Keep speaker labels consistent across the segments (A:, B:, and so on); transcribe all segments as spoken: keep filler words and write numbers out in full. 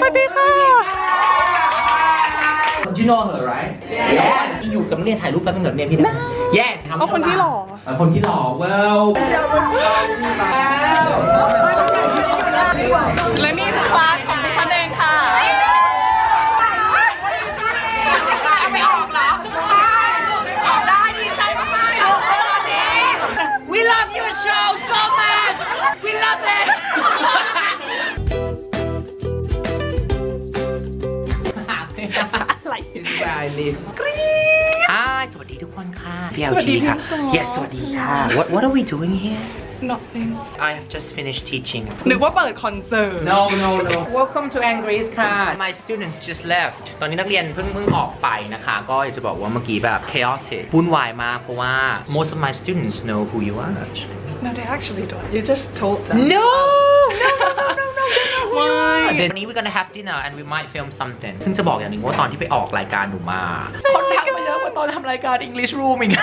A: วัสดีค่ะ
B: You know her right Yes ที่อยู่กับเรียนถ่ายรูปแป๊บนึงเดี๋ยวเรียนพี่ได้ Yes
A: เอาคนที่หล่อ
B: เอาคนที่หล่อ Well
A: และนี่คือคลาสของดิฉันเองค่ะไม่ออกเหรอออกได้ดีใจมากๆ We love your show so much We love it อะไร
B: This is where I live อ่าสวัสดีทุกคนค่ะพี่ แอล จี ค่ะ Yes สวัสดีค่ะ What What are we doing here
A: Nothing
B: I have just finished teaching
A: นึกว่าเปิดคอนเสิร์ต
B: No no no Welcome to Angris ค่ะ My students just left ตอนนี้นักเรียนเพิ่งเพิ่งออกไปนะคะ ก็อยากจะบอกว่าเมื่อกี้แบบ chaotic วุ่นวายมากเพราะว่า most of my students know who you are actually
A: No they actually don't You just told them
B: No no no no no
A: Why
B: วันนี้ we're gonna have dinner and we might film something ซึ่งจะบอกอย่างหนึงว่าตอนที่ไปออกรายการหนูมาคนทักมาเยอะกว่าตอนทำรายการ English Room อีก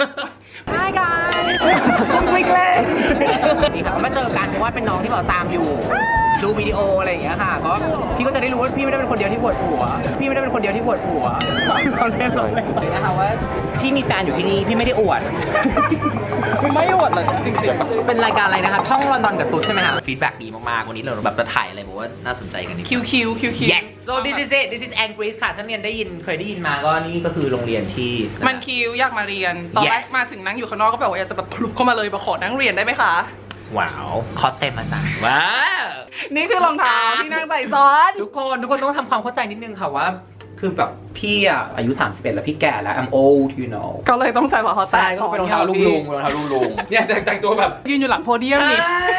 A: Hi guys วิกเล่
B: นี่ค่ะมาเจอกันเพราะว่าเป็นน้องที่แบบตามอยู่ดูวิดีโออะไรอย่างเงี้ยค่ะก็พี่ก็จะได้รู้ว่าพี่ไม่ได้เป็นคนเดียวที่ปวดหัวพี่ไม่ได้เป็นคนเดียวที่ปวดหัวเราเล่นเราเล่นนะคะว่าพี่มีแฟนอยู่ที่นี่พี่ไม่ได้อวด
A: ไม่อวดเลยจริงๆ
B: เป็นรายการอะไรนะคะท่องลอนดอนกับตุ๊ดใช่ไหมคะฟีดแบ็กดีมากๆวันนี้เราแบบจะถ่ายอะไรบอกว่าน่าสนใจกันนิด
A: คิวคิวคิวคิว
B: Yes so this is it this is Angris ค่ะถ้าเรียนได้ยินเคยได้ยินมาก็นี่ก็คือโรงเรียนที่
A: มันคิวอยากมาเรียนตอนแรกมาถึงนั่งอยู่ข้างนอกก็แบบว่าอยากจะแบบพลุกเข้ามาเลยมาขอนั่งเรียนได้ไหมคะ
B: ว้าวคอเต็มอาจารย์ว้าว
A: นี่คือรองเท้าที่นั่งใส่ซ้อน
B: ทุกคนทุกคนต้องทำความเข้าใจนิดนึงค่ะว่าคือแบบพี่อะอายุสามสิบเอ็ดแล้วพี่แก่แล้ว I'm old you know
A: ก็เลยต้องใส่รองเท้าแตะ
B: ก็เป็นรองเท้าลุงลุงรองเท้าลุงลุงเนี่ยแต่งตัวแบบ
A: ยืนอยู่หลังโพเดียมนี่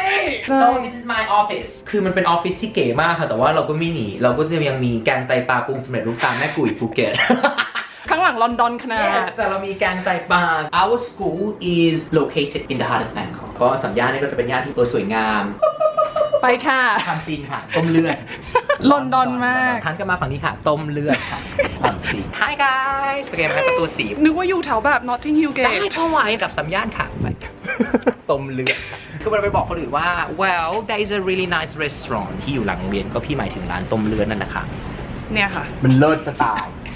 B: so this is my office คือมันเป็นออฟฟิศที่เก๋มากค่ะแต่ว่าเราก็ไม่หนีเราก็จะยังมีแกงไตปลาปรุงสำเร็จรูปตามแม่กุ๋ยภูเก็ต
A: ข้างหลังลอนดอนขนาด
B: yes แต่เรามีแกงไตปลา our school is located in the heart of Bangkok ก็สัญญาณนี่ก็จะเป็นย่านที่สวยงาม
A: ไปค่ะ
B: ความจริงค่ะต้มเลือด
A: ลอนดอนมาก
B: ทันกันมาฝั่งนี้ค่ะต้มเลือดค่ะความจริง Hi guys สเกมให้ประตูสี
A: นึกว่าอยู่แถวแบบ Notting Hill
B: ได้
A: Gate
B: เข้าไว้กับสัญญาณค่ะไปต้มเลือดค่ะคือเราไปบอกคนอื่นว่า well there is a really nice restaurant ที่อยู่หลังโรงเรียนก็พี่หมายถึงร้านต้มเลือดนั่นนะคะ
A: เนี่ยค่ะ
B: มันเลิศจะตาย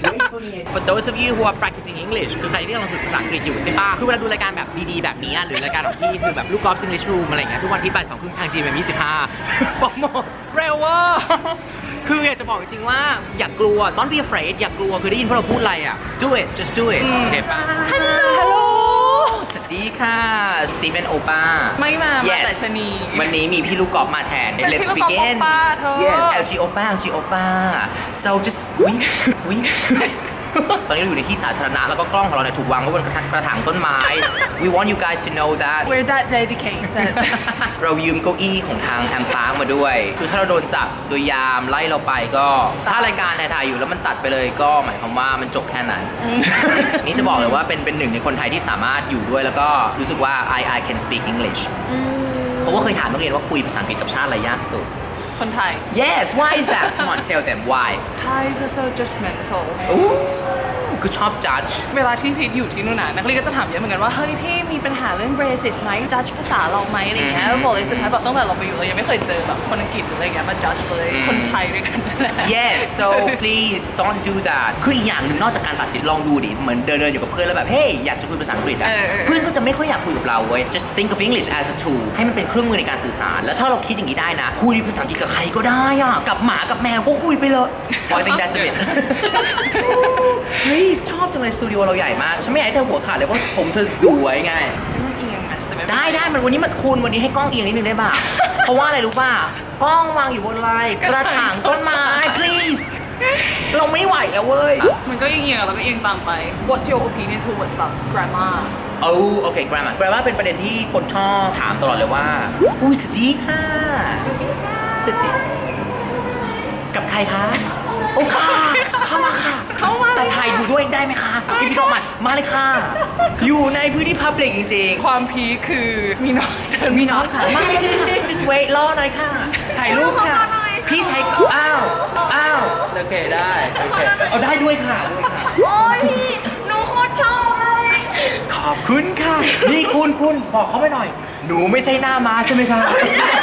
B: For those of you who are practicing English คือใครที่กำลังฝึกภาษาอังกฤษอยู่ใช่ป่ะคือเวลาดูรายการแบบดีๆแบบนี้หรือรายการแบบที่คือแบบลูกกอล์ฟ English Room อะไรเงี้ยทุกวันที่บ่ายสองครึ่งทาง จี เอ็ม ยี่สิบห้าโปรโมท
A: เร็วว่า
B: คืออยากจะบอกจริงๆว่าอย่ากลัว don't be afraid อย่ากลัวคือได้ยินพวกเราพูดอะไรอ่ะ do it just do it โอเคป่ะ
A: Hello
B: สวัสดีค่ะสตีเฟนโอป้า
A: ไม่มามาแต่ชนี
B: วันนี้มีพี่ลูกกอล์ฟมาแทน Let's begin Yes แอล จี โอป้า แอล จี โอป้า so just วิวิตอนนี้เราอยู่ในที่สาธารณะแล้วก็กล้องของเราเนี่ยถูกวางไว้บนกระถางต้นไม้ We want you guys to know that
A: We're that dedicated
B: เรายืมเก้าอี้ของทางแอมพาร์คมาด้วยคือถ้าเราโดนจับโดยยามไล่เราไปก็ถ้ารายการถ่ายๆอยู่แล้วมันตัดไปเลยก็หมายความว่ามันจบแค่นั้น นี่จะบอกเลยว่าเป็นเป็นหนึ่งในคนไทยที่สามารถอยู่ด้วยแล้วก็รู้สึกว่า I I can speak English เพราะว่าเคยถามนักเรียนว่าคุยภาษาอังกฤษกับชาติอะไรยากสุด
A: คนไทย
B: Yes why is that Come on tell them why
A: Thais are so judgmental
B: คือชอบ judge
A: เวลาที่พีทอยู่ที่นู่นน่ะนักเรียนก็จะถามเยอะเหมือนกันว่าเฮ้ยพี่มีปัญหาเรื่อง racist ไหม judge ภาษาเราไหมอะไรเงี้ยแล้วบอกเลยสุดท้ายแบบตั้งแต่เราไปอยู่เรายังไม่เคยเจอแบบคนอังกฤษหรืออะไรเงี้ยมา judge เลยคนไทยด้วยกันนั่นแหละ
B: Yes so please don't do that คืออีกอย่างหนึ่งนอกจากการตัดสินลองดูดิเหมือนเดินเดินอยู่กับเพื่อนแล้วแบบเฮ้ยอยากจะคุยภาษาอังกฤษอ่ะเพื่อนก็จะไม่ค่อยอยากคุยกับเราเว้ย just think of English as a tool ให้มันเป็นเครื่องมือในการสื่อสารแล้วถ้าเราคิดอย่างนี้ได้นะคุยภาษาอังกฤษกับใครก็ได้อ่ะกับหมากับแมวก็คุยไปเลย I think that's a bit เฮ้ยชอบจังเลยสตูดิโอเราใหญ่มากฉันไม่อยากให้เธอหัวขาดเลยเพราะผมเธอสวยไงได้ได้มันวันนี้มันคุณวันนี้ให้กล้องเอียงนิดนึงได้ป่ะ เพราะว่าอะไรรู้ป่ะกล้องวางอยู่บนอะไรกระถางต้นไม้ please เราไม่ไหวแล้วเว้ย
A: มันก็เอียงๆแล้วก็เอียงตามไป What's your opinion towards about grammar
B: โอ้โอเค grammar grammar เป็นประเด็นที่คนชอบถามตลอดเลยว่าอุ้ยสวัสดีค่ะสวัสดีค่ะสวัสดีกับใครคะโอ้ค่ะเข้ามาค่ะ
A: เข้ามา
B: แต่ถ่ายอยู่ด้วยได้ไหมคะพี่พี่ต้องมามาเลยค่ะอยู่ในพื้นที่ public จริงๆ
A: ความพีคือมีน้องเดิน
B: มีน้องค่ะมาเลยค่ะ just wait รอหน่อยค่ะถ่ายรูปค่ะพี่ใช้อ้าวอ้าวโอเคได้โอเคเอาได้ด้วยค่ะด้วยค่ะ
A: โอ้ยพี่หนูโคตรชอบเลย
B: ขอบคุณค่ะนี่คุณคุณบอกเขาไปหน่อยหนูไม่ใช่หน้าม้าใช่ไหมคะ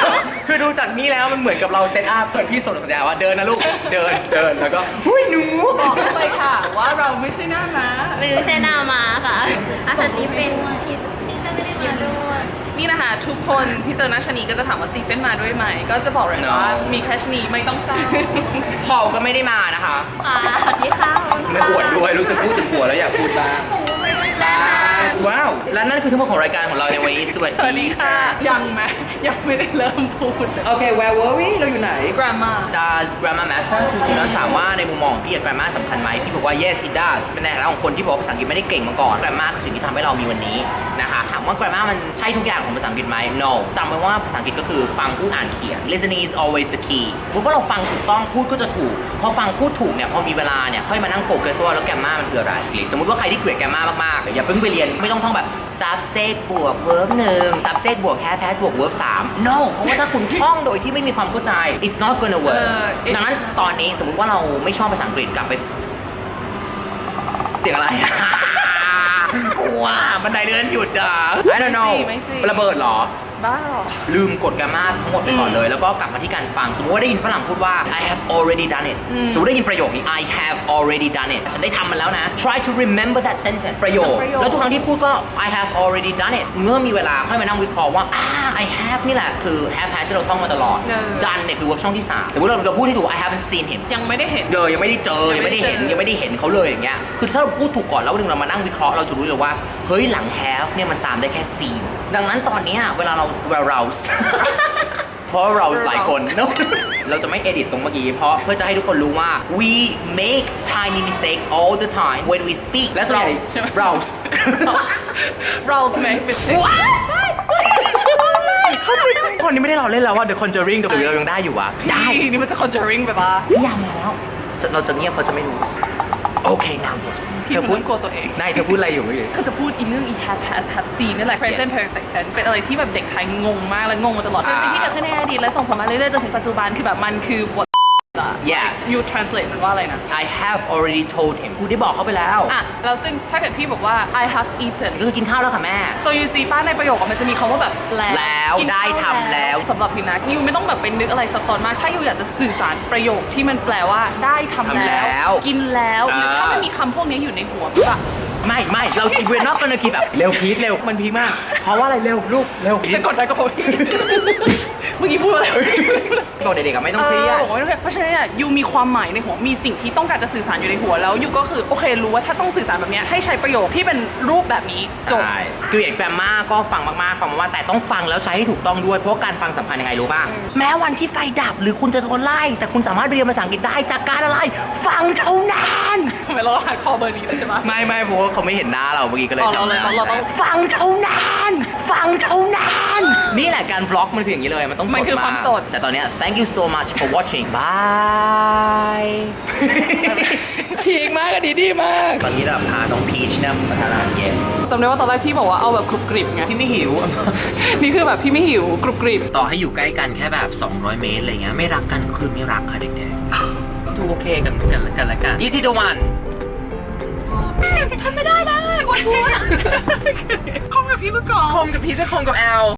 B: คือดูจากนี้แล้วมันเหมือนกับเราเซตอัพเปิดพี่สนสัญญาว่าเดินนะลูก เดินเดินแล้วก็หุ้ยหนู
A: บอกเลยค่ะว่าเราไม่ใช่หน้าม้า
C: ไม่ใช่หน้ามาค่ะอาสตีเป็นที่ที่ไม่ได้มาด้วย
A: นี่นะคะทุกคนที่เจอหน้าชะนีก็จะถามว่าสตีเฟนมาด้วยไหมก็จะบอกเลยว่ามีแค่ชะนีไม่ต้องเศร้า
B: พอลก็ไม่ได้มานะคะ
C: ค่ะสวัสดีค่ะ
B: ไม่อวดด้วยรู้สึกพูดถึงผัวแล้วอยากพูดบ้างว้าวและนั่นคือทั้งหมดของรายการของเราในวันนี้สวัส
A: สวัสดีค่ะ ยังไหมยังไม่ได้เริ่มพูดเลย
B: โอเค where were we เราอยู่ไหน
A: grammar
B: Does grammar matter คือจริงๆแล้วถามว่าในมุมมองของพี่ grammar สำคัญไหมพี่บอกว่า yes it does เป็นในฐานะของคนที่บอกว่าภาษาอังกฤษไม่ได้เก่งมาก่อน grammar คือสิ่งที่ทำให้เรามีวันนี้นะคะถามว่า grammar มันใช่ทุกอย่างของภาษาอังกฤษไหม no จำไว้ว่าภาษาอังกฤษก็คือฟังพูดอ่านเขียน listening is always the key เพราะว่าเราฟังถูกต้องพูดก็จะถูกพอฟังพูดถูกเนี่ยพอมีเวลาเนี่ยค่อยมานั่งโฟกัสว่าแล้ว grammar มันคืออะไรสมมติว่าใครที่เกลียด grammar มากๆอย่าเพิ่งไปเรียนไม่ต้องท่องแบบ subject บวก verb หนึ่ง subject บวก have has บวก verb สาม no เพราะว่าถ้าคุณท่องโดยที่ไม่มีความเข้าใจ it's not gonna work
A: เออ
B: ดังนั้นตอนนี้สมมุติว่าเราไม่ชอบภาษาอังกฤษกลับไป เสียงอะไร กลัวบันไดเลื่อนหยุดอ่ะ I don't know
A: ไม่สิ
B: ระเบิดเหรอ
A: บ้าเหรอ
B: ลืมกดแกรมมาทั้งหมดไปก่อนเลย แล้วก็กลับมาที่การฟัง สมมติว่าได้ยินฝรั่งพูดว่า I have already done it สมมติได้ยินประโยคนี้ I have already done it ฉันได้ทำมันแล้วนะ try to remember that sentence ประโยค
A: ประโยค
B: แล้วทุกครั้งที่พูดก็ I have already done it เมื่อมีเวลาค่อยมานั่งวิเคราะห์ว่าอ่า I have นี่แหละคือ have has ที่เราท่องมาตลอด done เนี่ยคือ verb ช่องที่สามสมมติเราเราพูดที่ถูก I haven't seen him
A: ยังไม่ได้เห็น
B: เดอยังไม่ได้เจอ ยังไม่ได้เห็น ยังไม่ได้เห็นเขาเลยอย่างเงี้ย คือถ้าเราพูดถูกก่อนแล้ววันหนึงเรามานั่งวิเคราะห์เราจะรู้เลยว่า เฮ้ยหลัง have เนี่ยมันตามได้แค่ seen ดังนั้นตอนเนี้ยเวลาเรา เรา เพราะเราหลายคน เราจะไม่เอดิตตรงเมื่อกี้เพราะเพื่อจะให้ทุกคนรู้ว่า we make tiny mistakes all the time when we speak และส่วนใหญ่
A: Rouse ใช่ไหม
B: rouse
A: เราสมัยเป็น
B: เขาเป็นคนนี้ไม่ได้รอเล่นแล้วว่า The Conjuring หรือเรายังได้อยู่วะได้
A: นี่มันจะ conjuring ไปปะ
B: นิยามมาแล้วจะเราจะเงียบเขาจะไม่รู้ โอเค now yes
A: พี่มันต้องกลัวตัวเอง
B: นายเธอพูดอะไรอยู่เมื่อกี้
A: คือจะพูดอีเรื่อง e have has have seen นี่แหละ present perfect tense เป็นอะไรที่แบบเด็กไทยงงมากและงงมาตลอดเป็นสิ่งที่เกิดขึ้นในอดีตและส่งผลมาเรื่อยๆจนถึงปัจจุบันคือแบบมันคือ what
B: yeah
A: you translate มันว่าอะไรนะ
B: I have already told him กูได้บอกเขาไปแล้ว
A: อ่ะแล้วซึ่งถ้าเกิดพี่บอกว่า I have eaten
B: ก็คือกินข้าวแล้วค่ะแม่
A: so you see ป้าในประโยคอะมันจะมีคำว่าแบบแล้ว
B: แล้ว
A: กินข้า
B: ได้ทำแล้ว
A: สำหรับพี่นะยูไม่ต้องแบบเป็นนึกอะไรซับซ้อนมาก ถ้ายูอยากจะสื่อสารประโยคที่มันแปลว่าได้ทำ
B: ทำแล้
A: แล้ว
B: ว
A: กินแล้ว
B: อ่า
A: หรือถ้ามันมีคำพวกนี้อยู่ในหัวอะ
B: ไม่ไม่เรา we're not gonna give up เร็วพีทเร็วมันพีคมาก เพราะว่าอะไรเร็วลูกเร็ว
A: จะกดได้ก็พอพี่ เมื่อกี้พูดอะไร
B: บอกเด็กๆอะไม่ต้อง
A: เอ
B: เครีย
A: อ
B: ด
A: บอกว่าไม่ต้องเครียดเพราะฉะนั้นเนี่ยยูมีความหมายในหัวมีสิ่งที่ต้องการจะสื่อสารอยู่ในหัวแล้วยูก็คือโอเครู้ว่าถ้าต้องสื่อสารแบบเนี้ยให้ใช้ประโยคที่เป็นรูปแบบนี้จบ
B: ใช่เกลียดแกรมมาก็ฟังมากๆฟังมากๆแต่ต้องฟังแล้วใช้ให้ถูกต้องด้วยเพราะการฟังสำคัญยังไงรู้ป่ะแม้วันที่ไฟดับหรือคุณจะโดนไล่แต่คุณสามารถเรียนภาษาอังกฤษได้จากการอะไร ฟังเท่านั้น
A: ทำไมเราหาคอเบอร์นี้เลยใช่ไหม
B: ไม่ไม่เพราะว่าเขาไม่เห็นหน้าเราเมื่อกี้ก็เลย
A: อ๋อเราเลย
B: จำได้
A: เราต้อง
B: ฟังเท่านั้นฟังเท่านั้นนี่แหละการvlogมันคืออย่างนี้เลยมันต้องสด
A: มันคือ
B: มาก
A: ความสด
B: แต่ตอนเนี้ย thank you so much for watching bye พีคมากอะดีดีมากตอนนี้เราพาน้องพีชเนี่ยมาทานอาหารเย็น
A: จำได้ว่าตอนแรกพี่บอกว่าเอาแบบกรุบกริบไง
B: พี่ไม่หิว
A: นี่คือแบบพี่ไม่หิวกรุบกริบ
B: ต่อให้อยู่ใกล้กันแค่แบบ สองร้อย เมตรอะไรเงี้ยไม่รักกันคือไม่รักค่ะเด็กๆดูโอเคกันกันกันละกัน easy to one
A: ทำไม่ได้นะวันนี้คอมกับพี่เมื่อก่อน
B: คมกับพีชจะคมกับแอล